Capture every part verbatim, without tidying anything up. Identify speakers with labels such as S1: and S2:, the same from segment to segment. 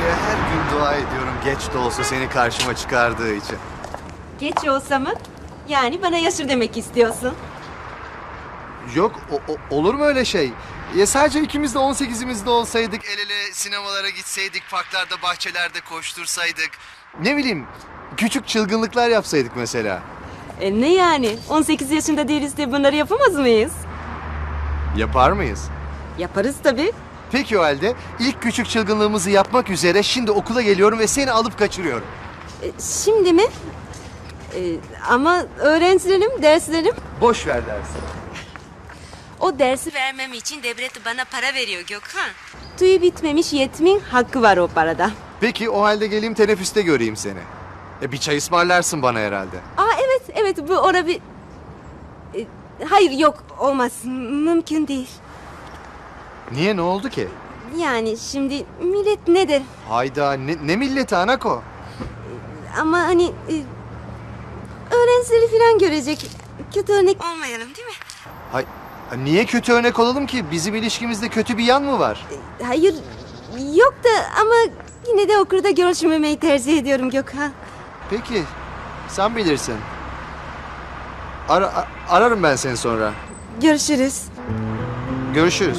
S1: Tanrı'ya her gün dua ediyorum geç de olsa seni karşıma çıkardığı için.
S2: Geç olsa mı? Yani bana yaşır demek istiyorsun.
S1: Yok o- o- olur mu öyle şey? Ya sadece ikimiz de on sekizimizde olsaydık, el ele sinemalara gitseydik, parklarda, bahçelerde koştursaydık. Ne bileyim, küçük çılgınlıklar yapsaydık mesela.
S2: E ne yani? on sekiz yaşında değiliz de bunları yapamaz mıyız?
S1: Yapar mıyız?
S2: Yaparız tabii.
S1: Peki o halde ilk küçük çılgınlığımızı yapmak üzere şimdi okula geliyorum ve seni alıp kaçırıyorum.
S2: E, şimdi mi? E, ama öğrencilerim, derslerim.
S1: Boş ver dersi.
S2: O dersi vermem için devlet bana para veriyor Gökhan. Tüyü bitmemiş yetimin hakkı var o parada.
S1: Peki o halde geleyim teneffüste göreyim seni. E, bir çay ısmarlarsın bana herhalde.
S2: Aa evet, evet bu ora bir... E, hayır yok, olmaz. Mümkün değil.
S1: Niye, ne oldu ki?
S2: Yani şimdi millet ne der?
S1: Hayda, ne, ne milleti Anako?
S2: Ama hani... E, öğrencileri falan görecek. Kötü örnek olmayalım değil mi?
S1: Hay, niye kötü örnek olalım ki? Bizim ilişkimizde kötü bir yan mı var?
S2: Hayır, yok da ama yine de okulda görüşmemeyi tercih ediyorum Gökhan.
S1: Peki, sen bilirsin. Ara, a- ararım ben seni sonra.
S2: Görüşürüz.
S1: Görüşürüz.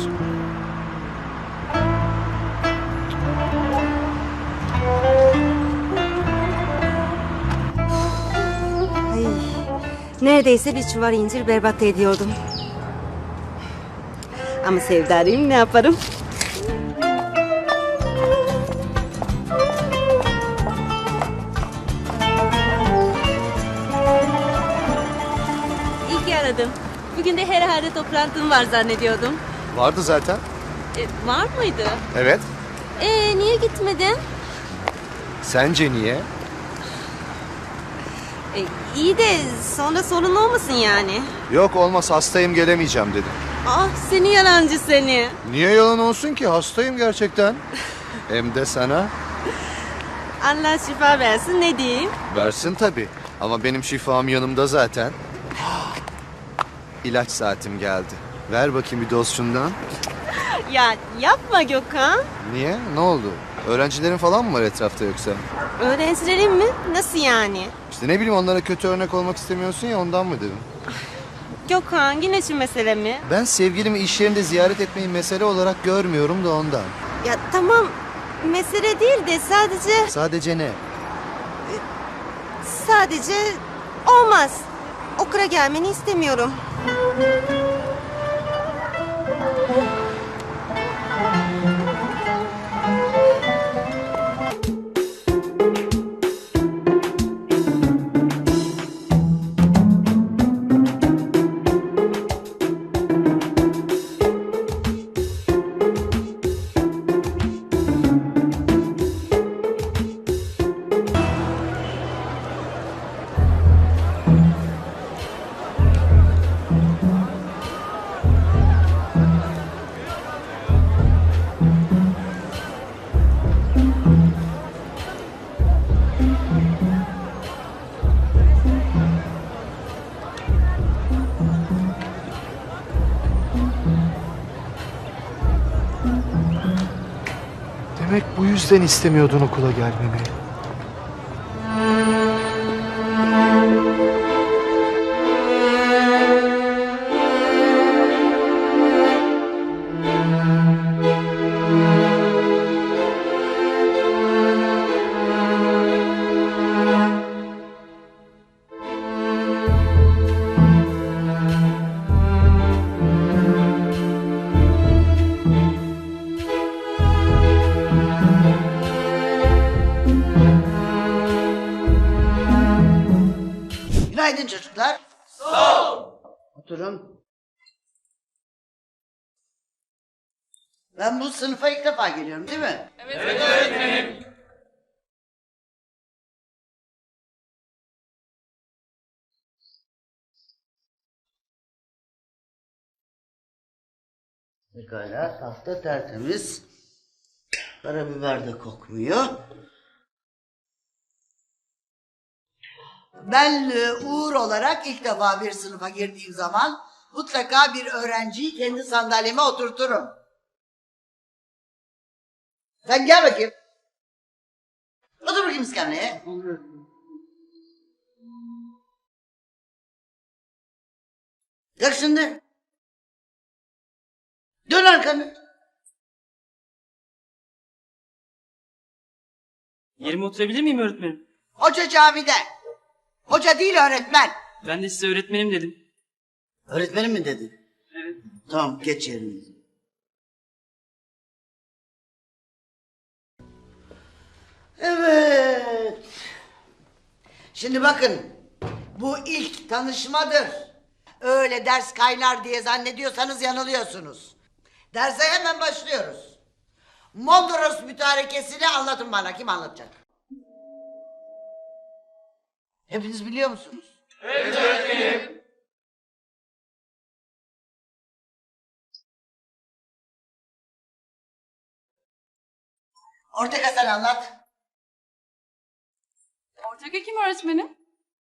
S2: Ay, neredeyse bir çuval incir berbat ediyordum. Ama sevdarıyım, ne yaparım? İyi ki aradın. Bugün de herhalde toplantım var zannediyordum.
S1: Vardı zaten.
S2: E, var mıydı?
S1: Evet.
S2: Ee, niye gitmedin?
S1: Sence niye?
S2: E, iyi de sonra sorun olmasın yani.
S1: Yok olmaz, hastayım, gelemeyeceğim dedim.
S2: Ah seni yalancı seni.
S1: Niye yalan olsun ki? Hastayım gerçekten. Hem de sana.
S2: Allah şifa versin, ne diyeyim?
S1: Versin tabii. Ama benim şifam yanımda zaten. İlaç saatim geldi. Ver bakayım bir doz şundan.
S2: Ya yapma Gökhan.
S1: Niye? Ne oldu? Öğrencilerin falan mı var etrafta yoksa?
S2: Öğrencilerin mi? Nasıl yani?
S1: İşte ne bileyim, onlara kötü örnek olmak istemiyorsun ya, ondan mı dedim.
S2: Gökhan yine şu mesele mi?
S1: Ben sevgilimi iş yerinde ziyaret etmeyi mesele olarak görmüyorum da ondan.
S2: Ya tamam mesele değil de sadece
S1: Sadece ne?
S2: sadece olmaz. Okula gelmeni istemiyorum.
S1: Demek bu yüzden istemiyordun okula gelmemi.
S3: Günaydın çocuklar. Sağ ol. Oturun. Ben bu sınıfa ilk defa geliyorum değil mi? Evet, evet öğretmenim. Pekala, tahta tertemiz. Karabiber de kokmuyor. Ben e, Uğur olarak ilk defa bir sınıfa girdiğim zaman mutlaka bir öğrenciyi kendi sandalyeme oturturum. Sen gel bakayım. bakayım iskemleye. Kalk şimdi. Dön arkanı.
S4: Yerime oturabilir miyim öğretmenim?
S3: Hoca camide. Hoca değil öğretmen.
S4: Ben de size öğretmenim dedim.
S3: Öğretmenim mi dedin?
S4: Evet.
S3: Tamam geç yerine. Evet. Şimdi bakın. Bu ilk tanışmadır. Öyle ders kaynar diye zannediyorsanız yanılıyorsunuz. Derse hemen başlıyoruz. Mondros mütarekesini anlatın bana. Kim anlatacak? Hepiniz biliyor musunuz? Evet öğretmenim. Ortega sen anlat.
S5: Ortega kim öğretmenim?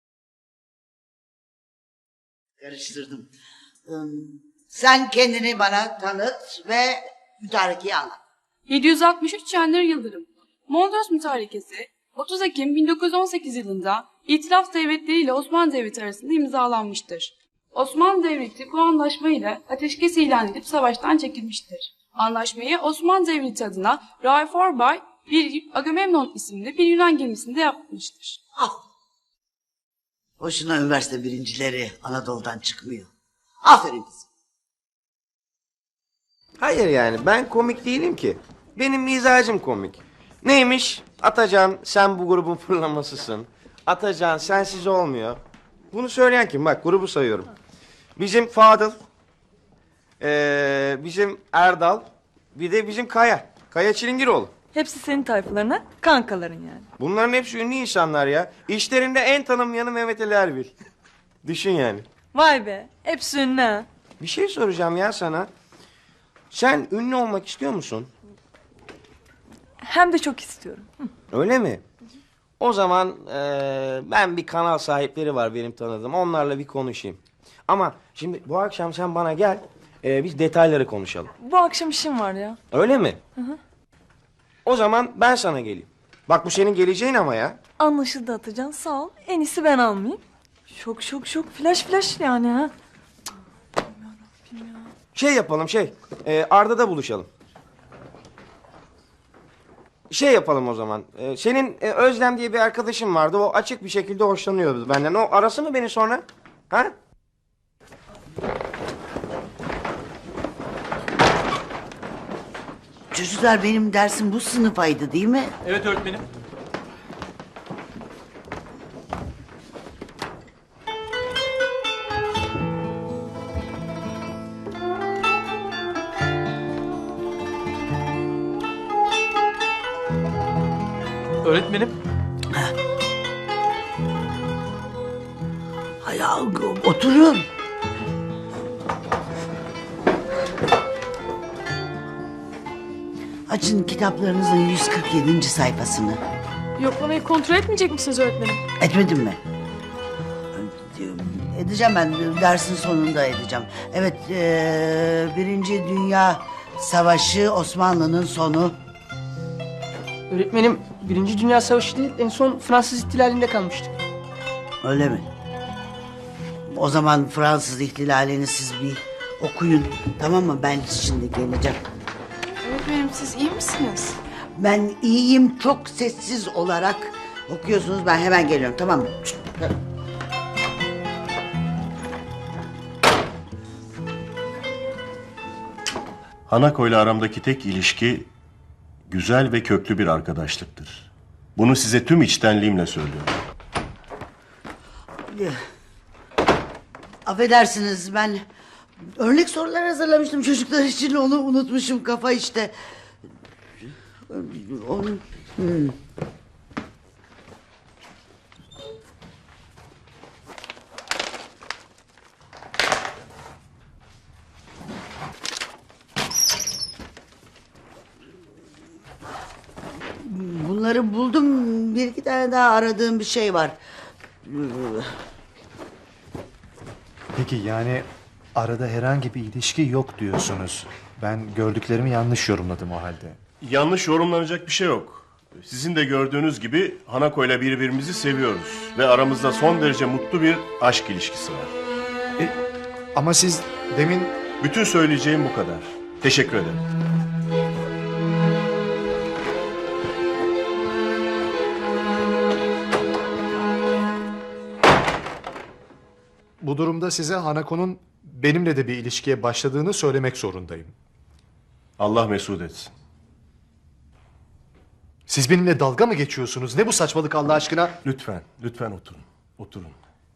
S3: Karıştırdım. Im, Sen kendini bana tanıt ve mütarekeyi anlat.
S5: yedi yüz altmış üç Çenler Yıldırım. Mondros Mütarekesi otuz Ekim bin dokuz yüz on sekiz yılında İtilaf Devletleri ile Osmanlı Devleti arasında imzalanmıştır. Osmanlı Devleti bu anlaşma ile ateşkes ilan edip savaştan çekilmiştir. Anlaşmayı Osmanlı Devleti adına Raif Orbay bir Agamemnon isimli bir Yunan gemisinde yapmıştır.
S3: Al. Boşuna üniversite birincileri Anadolu'dan çıkmıyor. Aferin kızım.
S6: Hayır yani ben komik değilim ki. Benim mizacım komik. Neymiş? Atacan sen bu grubun fırlamasısın. Atacan sensiz olmuyor. Bunu söyleyen kim? Bak grubu sayıyorum. Bizim Fadıl. Ee, bizim Erdal. Bir de bizim Kaya. Kaya Çilingiroğlu.
S7: Hepsi senin tayfalarına, kankaların yani.
S6: Bunların hepsi ünlü insanlar ya. İşlerinde en tanınmayanı Mehmet Ali Erbil. Düşün yani.
S7: Vay be, hepsi ünlü ha.
S6: Bir şey soracağım ya sana. Sen ünlü olmak istiyor musun?
S7: Hem de çok istiyorum. Hı.
S6: Öyle mi? O zaman eee, ben bir kanal sahipleri var benim tanıdığım. Onlarla bir konuşayım. Ama şimdi bu akşam sen bana gel. eee, biz detayları konuşalım.
S7: Bu akşam işim var ya.
S6: Öyle mi? Hı hı. O zaman ben sana geleyim. Bak bu senin geleceğin ama ya.
S7: Anlaşıldı Atacan, sağ ol. En iyisi ben almayayım. Şok şok şok, flash flash yani ha.
S6: Şey yapalım şey. eee, Arda'da buluşalım. Şey yapalım o zaman. eee, senin e, Özlem diye bir arkadaşın vardı. O açık bir şekilde hoşlanıyordu benden. O arası mı beni sonra? Ha?
S3: Çocuklar benim dersim bu sınıfaydı değil mi?
S4: Evet öğretmenim. Öğretmenim.
S3: Hay oturun. Açın kitaplarınızın yüz kırk yedinci sayfasını.
S5: Yoklamayı kontrol etmeyecek misiniz öğretmenim?
S3: Etmedim mi? Edeceğim ben, dersin sonunda edeceğim. Evet, eee, Birinci Dünya Savaşı, Osmanlı'nın sonu.
S8: Öğretmenim, Birinci Dünya Savaşı değil, en son Fransız ihtilalinde kalmıştık.
S3: Öyle mi? O zaman Fransız ihtilalini siz bir okuyun, tamam mı? Ben şimdi geleceğim.
S5: Öğretmenim siz iyi misiniz?
S3: Ben iyiyim, çok sessiz olarak okuyorsunuz. Ben hemen geliyorum, tamam mı?
S9: Hanako ile aramdaki tek ilişki güzel ve köklü bir arkadaşlıktır. Bunu size tüm içtenliğimle söylüyorum.
S3: Affedersiniz, ben örnek sorular hazırlamıştım çocuklar için, onu unutmuşum, kafa işte. Onu... Hmm. Bunları buldum. Bir iki tane daha aradığım bir şey var.
S10: Peki yani arada herhangi bir ilişki yok diyorsunuz. Ben gördüklerimi yanlış yorumladım o halde.
S9: Yanlış yorumlanacak bir şey yok. Sizin de gördüğünüz gibi Hanako ile birbirimizi seviyoruz. Ve aramızda son derece mutlu bir aşk ilişkisi var.
S10: E, ama siz demin...
S9: Bütün söyleyeceğim bu kadar. Teşekkür ederim.
S10: Bu durumda size Hanako'nun benimle de bir ilişkiye başladığını söylemek zorundayım.
S9: Allah mesut etsin.
S10: Siz benimle dalga mı geçiyorsunuz? Ne bu saçmalık Allah aşkına?
S9: Lütfen, lütfen oturun. Oturun.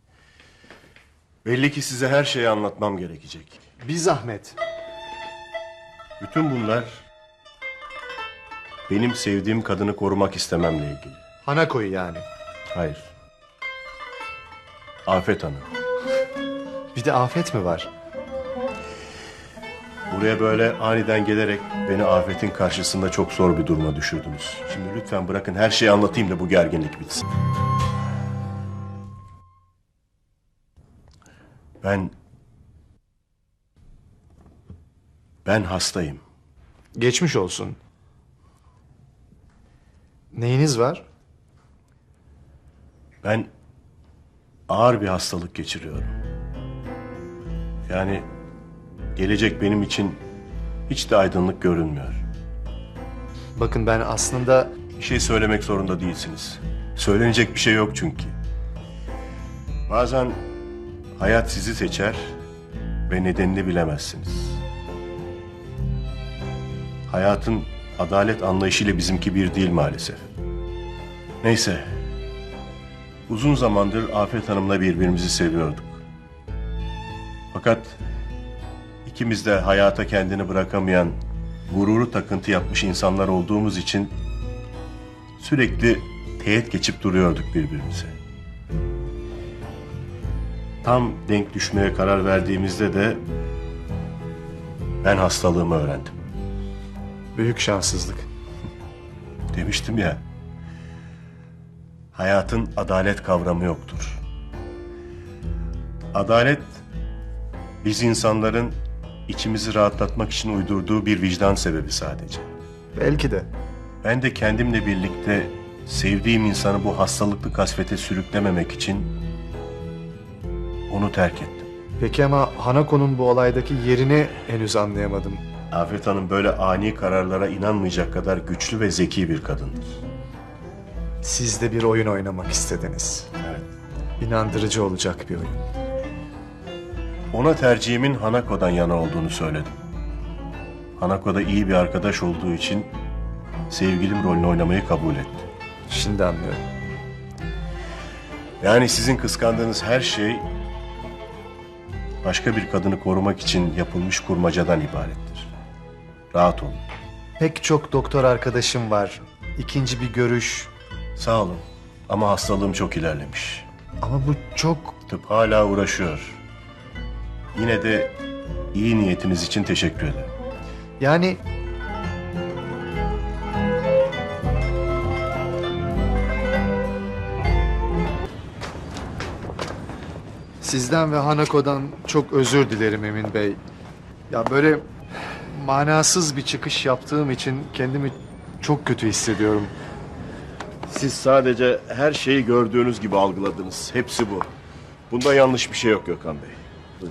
S9: Belli ki size her şeyi anlatmam gerekecek.
S10: Bir zahmet.
S9: Bütün bunlar benim sevdiğim kadını korumak istememle ilgili.
S10: Hanako'yu yani.
S9: Hayır. Afet Hanım.
S10: Bir de Afet mi var?
S9: Buraya böyle aniden gelerek beni Afet'in karşısında çok zor bir duruma düşürdünüz. Şimdi lütfen bırakın her şeyi anlatayım da bu gerginlik bitsin. Ben... Ben hastayım.
S10: Geçmiş olsun. Neyiniz var?
S9: Ben ağır bir hastalık geçiriyorum. Yani gelecek benim için hiç de aydınlık görünmüyor.
S10: Bakın ben aslında...
S9: Bir şey söylemek zorunda değilsiniz. Söylenecek bir şey yok çünkü. Bazen hayat sizi seçer ve nedenini bilemezsiniz. Hayatın adalet anlayışıyla bizimki bir değil maalesef. Neyse. Uzun zamandır Afet Hanım'la birbirimizi seviyorduk. Fakat ikimiz de hayata kendini bırakamayan, gururu takıntı yapmış insanlar olduğumuz için sürekli teğet geçip duruyorduk birbirimize. Tam denk düşmeye karar verdiğimizde de ben hastalığımı öğrendim.
S10: Büyük şanssızlık.
S9: Demiştim ya, hayatın adalet kavramı yoktur. Adalet, biz insanların içimizi rahatlatmak için uydurduğu bir vicdan sebebi sadece.
S10: Belki de.
S9: Ben de kendimle birlikte sevdiğim insanı bu hastalıklı kasvete sürüklememek için onu terk ettim.
S10: Peki ama Hanako'nun bu olaydaki yerini henüz anlayamadım.
S9: Afet Hanım böyle ani kararlara inanmayacak kadar güçlü ve zeki bir kadındır.
S10: Siz de bir oyun oynamak istediniz.
S9: Evet.
S10: İnandırıcı olacak bir oyun.
S9: Ona tercihimin Hanako'dan yana olduğunu söyledim. Hanako da iyi bir arkadaş olduğu için sevgilim rolünü oynamayı kabul etti.
S10: Şimdi anlıyorum.
S9: Yani sizin kıskandığınız her şey başka bir kadını korumak için yapılmış kurmacadan ibarettir. Rahat olun.
S10: Pek çok doktor arkadaşım var. İkinci bir görüş.
S9: Sağ olun ama hastalığım çok ilerlemiş.
S10: Ama bu çok...
S9: Tıp hala uğraşıyor. Yine de iyi niyetiniz için teşekkür ederim.
S10: Yani... Sizden ve Hanako'dan çok özür dilerim Emin Bey. Ya böyle manasız bir çıkış yaptığım için kendimi çok kötü hissediyorum.
S9: Siz sadece her şeyi gördüğünüz gibi algıladınız. Hepsi bu. Bunda yanlış bir şey yok Gökhan Bey. Buyurun.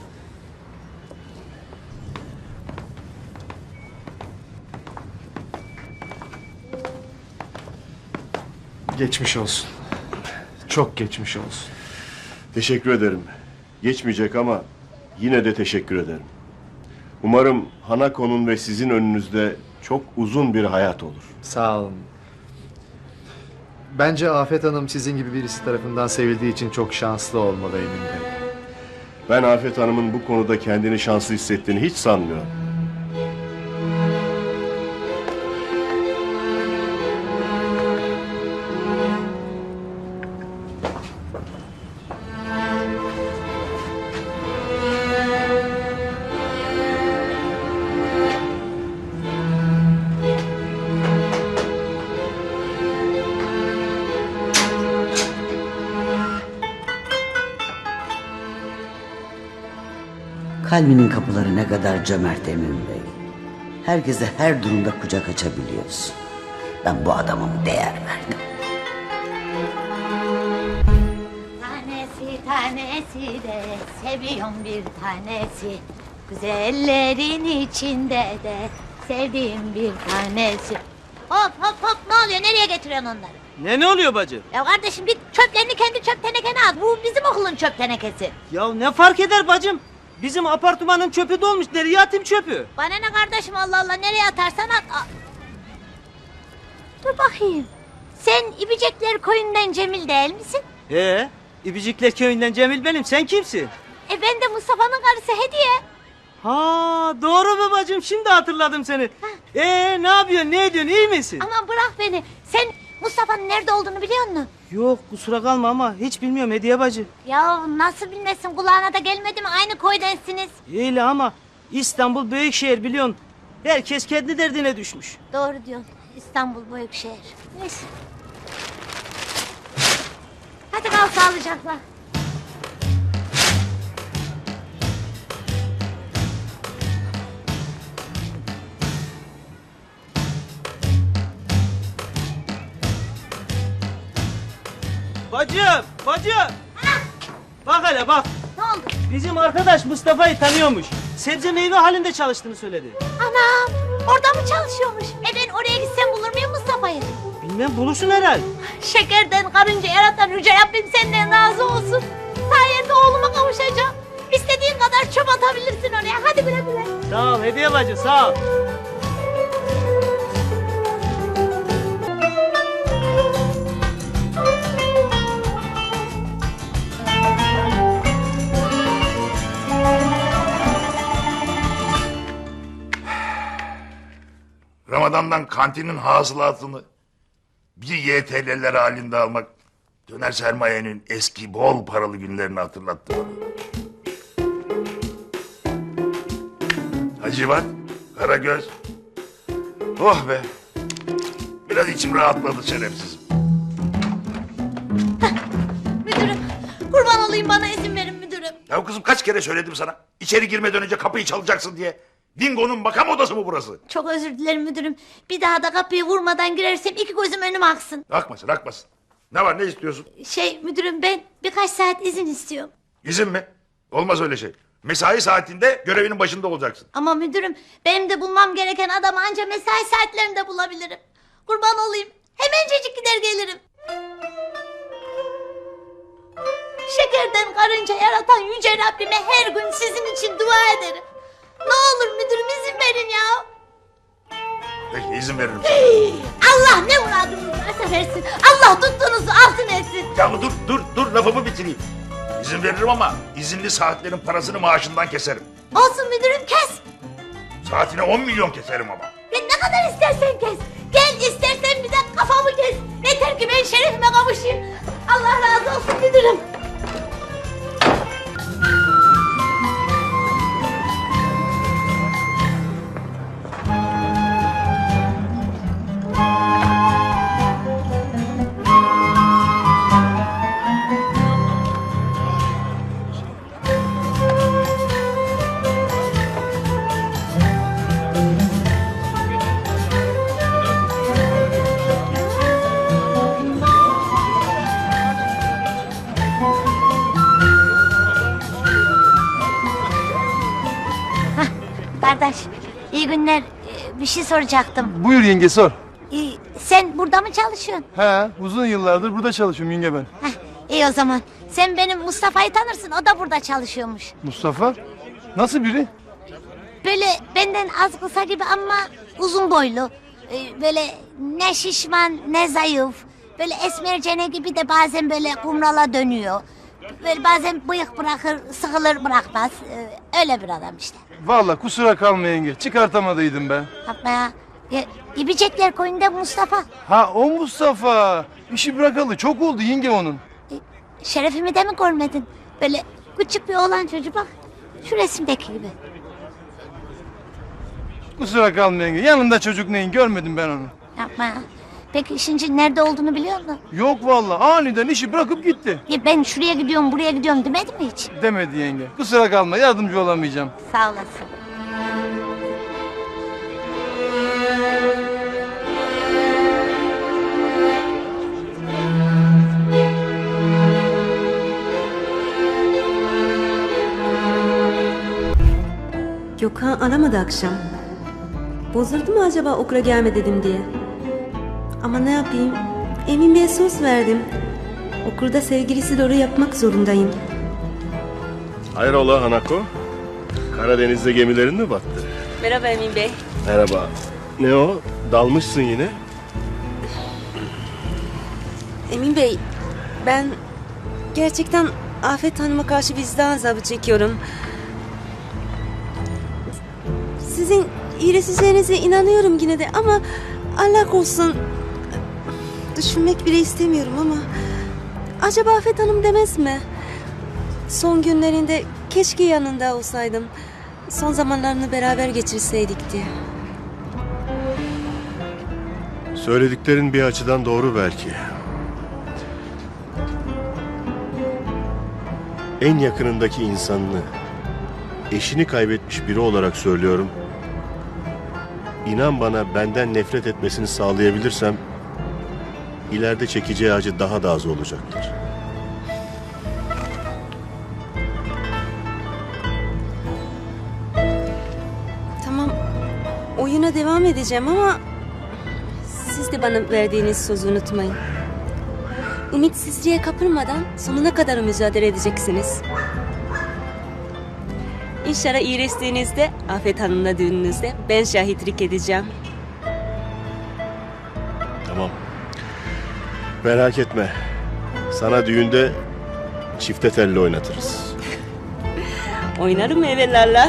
S10: Geçmiş olsun. Çok geçmiş olsun.
S9: Teşekkür ederim. Geçmeyecek ama yine de teşekkür ederim. Umarım Hanako'nun ve sizin önünüzde çok uzun bir hayat olur.
S10: Sağ olun. Bence Afet Hanım sizin gibi birisi tarafından sevildiği için çok şanslı olmalı Emin Bey.
S9: Ben Afet Hanım'ın bu konuda kendini şanslı hissettiğini hiç sanmıyorum.
S3: Kalbinin kapıları ne kadar cömert Emin Bey. Herkese her durumda kucak açabiliyorsun. Ben bu adama mı değer verdim?
S11: Tanesi tanesi de seviyorum bir tanesi. Güzellerin içinde de sevdiğim bir tanesi. Hop hop hop, ne oluyor, nereye getiriyorsun onları?
S8: Ne ne oluyor bacı?
S11: Ya kardeşim git çöplerini kendi çöp tenekene at. Bu bizim okulun çöp tenekesi.
S8: Ya ne fark eder bacım? Bizim apartmanın çöpü dolmuş. Nereye atayım çöpü?
S11: Bana ne kardeşim, Allah Allah, nereye atarsan at. Aa. Dur bakayım. Sen İbicekler Koyun'dan Cemil değil misin?
S8: Ee, İbicikler köyünden Cemil benim. Sen kimsin?
S11: E ben de Mustafa'nın karısı Hediye.
S8: Ha doğru mu bacım? Şimdi hatırladım seni. Ee ne yapıyorsun? Ne ediyorsun? İyi misin?
S11: Aman bırak beni. Sen Mustafa'nın nerede olduğunu biliyor musun?
S8: Yok kusura kalma ama hiç bilmiyorum Hediye bacı.
S11: Ya nasıl bilmesin, kulağına da gelmedi mi? Aynı koydensiniz.
S8: Öyle ama İstanbul büyük şehir biliyorsun. Herkes kendi derdine düşmüş.
S11: Doğru diyorsun. İstanbul büyük şehir. Neyse. Hadi kal sağlıcakla.
S8: Bacım, bacım. Bak hele bak.
S11: Ne oldu?
S8: Bizim arkadaş Mustafa'yı tanıyormuş. Sebze meyve halinde çalıştığını söyledi.
S11: Anam, orada mı çalışıyormuş? E ben oraya gitsem bulur muyum Mustafa'yı?
S8: Bilmem bulursun herhal.
S11: Şekerden karınca yaratan Yüce Rabbim senden razı olsun. Sayende oğluma kavuşacağım. İstediğin kadar çöp atabilirsin oraya. Hadi güle güle.
S8: Sağ ol Hediye bacı sağ ol.
S12: Ramazan'dan kantinin hasılatını bir Y T L'ler halinde almak döner sermayenin eski bol paralı günlerini hatırlattı bana. Hacivat, Karagöz. Oh be. Biraz içim rahatladı şerefsizim.
S11: Müdürüm, kurban olayım, bana izin verin müdürüm.
S12: Ya kızım kaç kere söyledim sana. İçeri girmeden önce kapıyı çalacaksın diye. Dingo'nun makam odası mı burası?
S11: Çok özür dilerim müdürüm. Bir daha da kapıyı vurmadan girersem iki gözüm önüme aksın.
S12: Akmasın akmasın. Ne var ne istiyorsun?
S11: Şey müdürüm, ben birkaç saat izin istiyorum.
S12: İzin mi? Olmaz öyle şey. Mesai saatinde görevinin başında olacaksın.
S11: Ama müdürüm, benim de bulmam gereken adamı anca mesai saatlerinde bulabilirim. Kurban olayım, hemencecik gider gelirim. Şekerden karınca yaratan Yüce Rabbime her gün sizin için dua ederim. Ne olur müdürüm, izin verin ya.
S12: Peki izin veririm sana.
S11: Allah ne muradınız varsa versin. Allah tuttuğunuzu altın etsin.
S12: Ya dur dur dur lafımı bitireyim. İzin veririm ama izinli saatlerin parasını maaşından keserim.
S11: Olsun müdürüm, kes.
S12: Saatine on milyon keserim ama.
S11: Ya ne kadar istersen kes. Gel istersen bir de kafamı kes. Yeter ki ben şerefime kavuşayım. Allah razı olsun müdürüm. Kardeş, iyi günler. Ee, Bir şey soracaktım.
S13: Buyur yenge sor.
S11: Ee, Sen burada mı çalışıyorsun?
S13: He, uzun yıllardır burada çalışıyorum yenge ben.
S11: Heh, iyi o zaman. Sen benim Mustafa'yı tanırsın, o da burada çalışıyormuş.
S13: Mustafa? Nasıl biri?
S11: Böyle benden az kısa gibi ama uzun boylu. Ee, Böyle ne şişman ne zayıf. Böyle esmercene gibi de bazen böyle kumrala dönüyor. Böyle bazen bıyık bırakır, sıkılır bırakmaz. Ee, Öyle bir adam işte.
S13: Vallahi kusura kalma yenge. Çıkartamadıydım ben.
S11: Yapma ya. Ya, İbicekler Koyun'da Mustafa.
S13: Ha o Mustafa. İşi bırakalı çok oldu yenge onun.
S11: Şerefimi de mi görmedin? Böyle küçük bir oğlan çocuğu, bak. Şu resimdeki gibi.
S13: Kusura kalma yenge. Yanında çocuk neyin görmedim ben onu.
S11: Yapma ya. Peki şimdi nerede olduğunu biliyor musun?
S13: Yok vallahi aniden işi bırakıp gitti.
S11: Ya ben şuraya gidiyorum, buraya gidiyorum demedi mi hiç?
S13: Demedi yenge. Kusura kalma yardımcı olamayacağım.
S11: Sağ olasın.
S2: Gökhan aramadı akşam. Bozuldu mu acaba okula gelme dedim diye. Ama ne yapayım? Emin Bey'e söz verdim. Okulda sevgilisi doğru yapmak zorundayım.
S9: Hayrola Hanako? Karadeniz'de gemilerin mi battı?
S2: Merhaba Emin Bey.
S9: Merhaba. Ne o? Dalmışsın yine.
S2: Emin Bey, ben gerçekten Afet Hanım'a karşı vicdan azabı çekiyorum. Sizin iyileşeceğinize inanıyorum yine de ama Allah korusun, düşünmek bile istemiyorum ama acaba Afet Hanım demez mi? Son günlerinde keşke yanında olsaydım. Son zamanlarını beraber geçirseydik diye.
S9: Söylediklerin bir açıdan doğru belki. En yakınındaki insanını, eşini kaybetmiş biri olarak söylüyorum. İnan bana, benden nefret etmesini sağlayabilirsem ileride çekeceği acı daha da az olacaktır.
S2: Tamam, oyuna devam edeceğim ama siz de bana verdiğiniz sözü unutmayın. Ümitsizliğe kapılmadan sonuna kadar mücadele edeceksiniz. İnşallah iyileştiğinizde Afet Hanım'la düğününüzde ben şahitlik edeceğim.
S9: Tamam. Merak etme. Sana düğünde çifte telli oynatırız.
S2: Oynarım evelallah.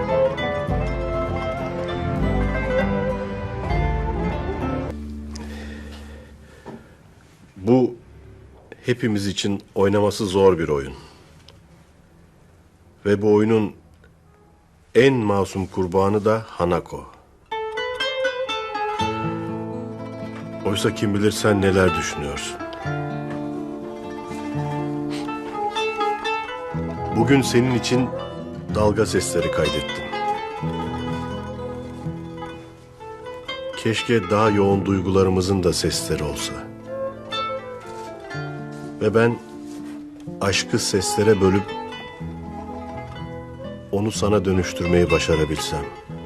S9: Bu hepimiz için oynaması zor bir oyun. Ve bu oyunun en masum kurbanı da Hanako. Oysa kim bilir sen neler düşünüyorsun. Bugün senin için dalga sesleri kaydettim. Keşke daha yoğun duygularımızın da sesleri olsa. Ve ben aşkı seslere bölüp onu sana dönüştürmeyi başarabilsem.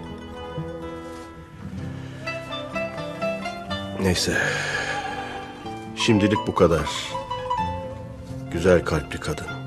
S9: Neyse. Şimdilik bu kadar. Güzel kalpli kadın.